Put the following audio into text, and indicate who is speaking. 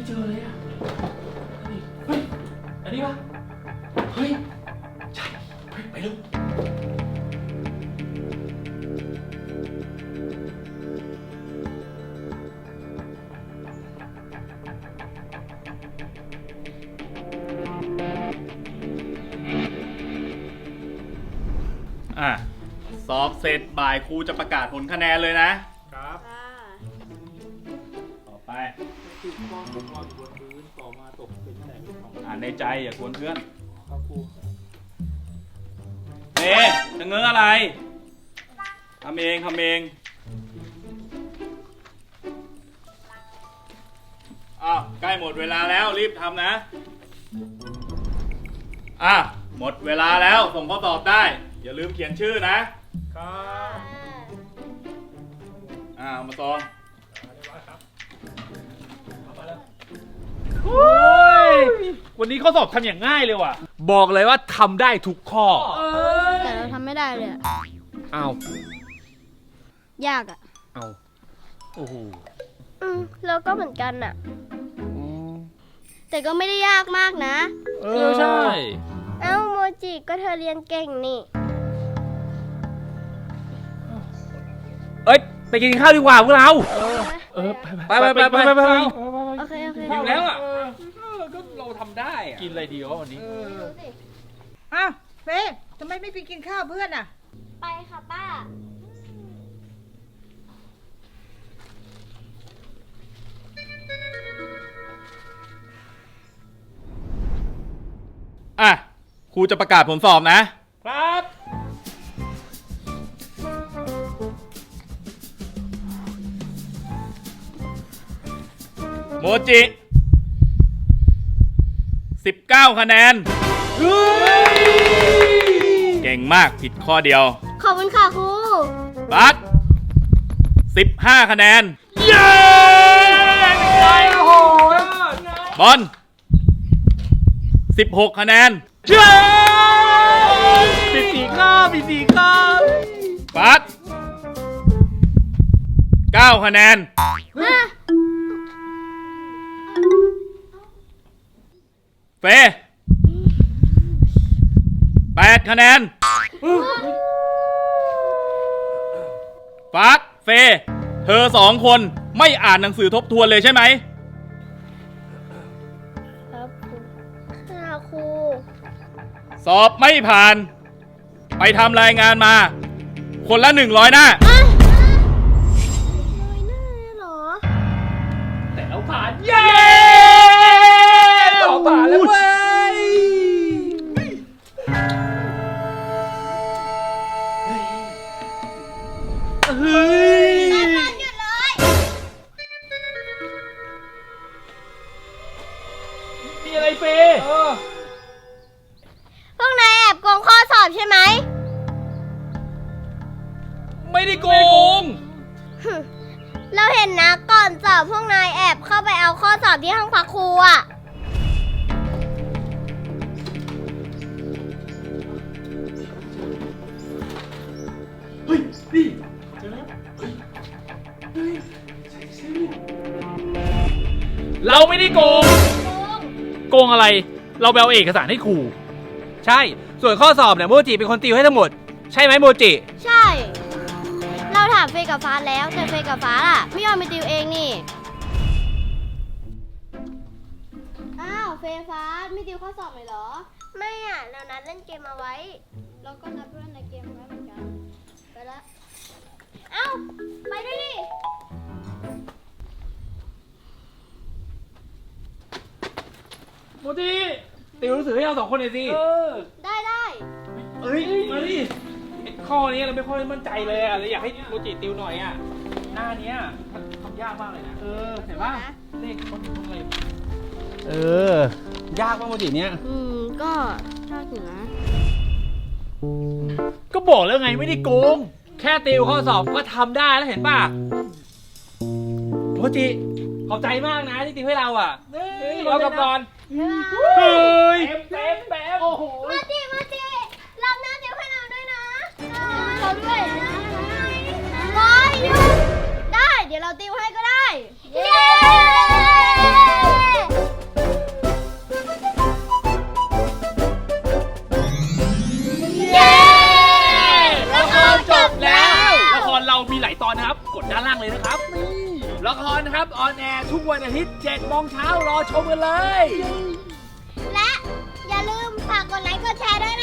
Speaker 1: จอเลยอ่ะเฮ้ยอันนี้ปะเฮ้ยใช่เฮ้ยไปเร็ว
Speaker 2: สอบเสร็จบ่ายครูจะประกาศผลคะแนนเลยนะครับต่อไปอ่านในใจอย่ากวนเพื่อนจะเงื้ออะไรทำเองใกล้หมดเวลาแล้วรีบทำนะหมดเวลาแล้วส่งข้อสอบได้อย่าลืมเขียนชื่อนะครับมาซอง
Speaker 1: วันนี้ข้อสอบทำอย่างง่ายเลยว่ะบอกเลยว่าทำได้ทุกข้อ
Speaker 3: แต่เราทำไม่ได้เลย
Speaker 1: อ้าวย
Speaker 3: ากอ่ะ
Speaker 1: โอ้โห
Speaker 3: เราก็เหมือนกันอ่ะแต่ก็ไม่ได้ยากมากนะ
Speaker 1: ใช่
Speaker 3: โมจิก็เธอเรียนเก่งนี่
Speaker 1: ไปกินข้าวดีกว่าพวกเราไป
Speaker 3: โอเค
Speaker 1: หิวแล้วอ่ะก็เราทำได้กินอะไรดีวะวันนี้
Speaker 4: เฟย์ทำไมไม่ไปกินข้าวเพื่อนอ่ะ
Speaker 3: ไปค่ะป้า
Speaker 2: ครูจะประกาศผลสอบนะครับโมจิ19คะแนนเก่งมากผิดข้อเดียว
Speaker 3: ขอบคุณค่ะครู
Speaker 2: บัส15คะแนน
Speaker 1: เย้โอ้โห
Speaker 2: บอล16คะแนน
Speaker 1: เย้ปิด4ข้อ
Speaker 2: บัส9คะแนนเฟ8คะแนนฟักเฟเธอ2คนไม่อ่านหนังสือทบทวนเลยใช่ไหม
Speaker 3: ครับครู
Speaker 2: สอบไม่ผ่านไปทำรายงานมาคนละ100 หน้า100 หน้า
Speaker 3: เหรอ
Speaker 1: แต่เราผ่านเย้เราผ่านแล้วเว้ย
Speaker 3: หยุดเลย
Speaker 1: มีอะไรเฟ
Speaker 3: พวกนายแอบโกงข้อสอบใช่ไหม
Speaker 1: ไม่ได้โกง
Speaker 3: เราเห็นนะก่อนสอบพวกนายแอบเข้าไปเอาข้อสอบที่ห้องพักครูอ่ะ
Speaker 1: เฮ้ยนี่เจอแล้วเราไม่ได้โกงอะไรเราไปเอาเอกสารให้ครู
Speaker 5: ใช่ส่วนข้อสอบเนี่ยโมจิเป็นคนติวให้ทั้งหมดใช่ไหมโมจิ
Speaker 3: ใช่เราถามเฟย์กับฟ้าแล้วแต่เฟย์กับฟ้าล่ะไม่ยอมไปติวเองนี่เฟย์ฟ้าไม่ติวข้อสอบเลยเหรอไม่เรานัดเล่นเกมมาไว้เราก็นัดเพื่อนในเกมไว้เหมือนกันไปแล้วไปด้วยดิ
Speaker 1: โมจิติวหนังสือให้เรา2 คนหน่อยสิ
Speaker 3: ได้
Speaker 1: มาดิข้อนี้เราไม่ค่อยมั่นใจเลยเราอยากให้โมจิติวหน่อยหน้านี้มันทำยากมากเลยนะเห็นป่ะเลขคนอะไร
Speaker 5: ยากป่ะโมจิเนี้ย
Speaker 3: ก็ยากอยู่นะ
Speaker 1: ก็บอกแล้วไงไม่ได้โกงแค่ติวข้อสอบก็ทำได้แล้วเห็นป่ะโมจิขอบใจมากนะที่ติวให้เราเรากลับก่อนเฮ้ยเต็มโอ้โห
Speaker 3: มาจิรับหน้าติวให้เราด้วยนะเราด้วยบอยหยุดได้เดี๋ยวเราติวให้ก็ได้เย้
Speaker 1: างๆเลยนะครับนี่ละครนะครับออนแอร์ทุกวันอาทิตย์7 โมงเช้ารอชมกันเลย
Speaker 3: และอย่าลืมฝากกดไลค์กดแชร์ด้วย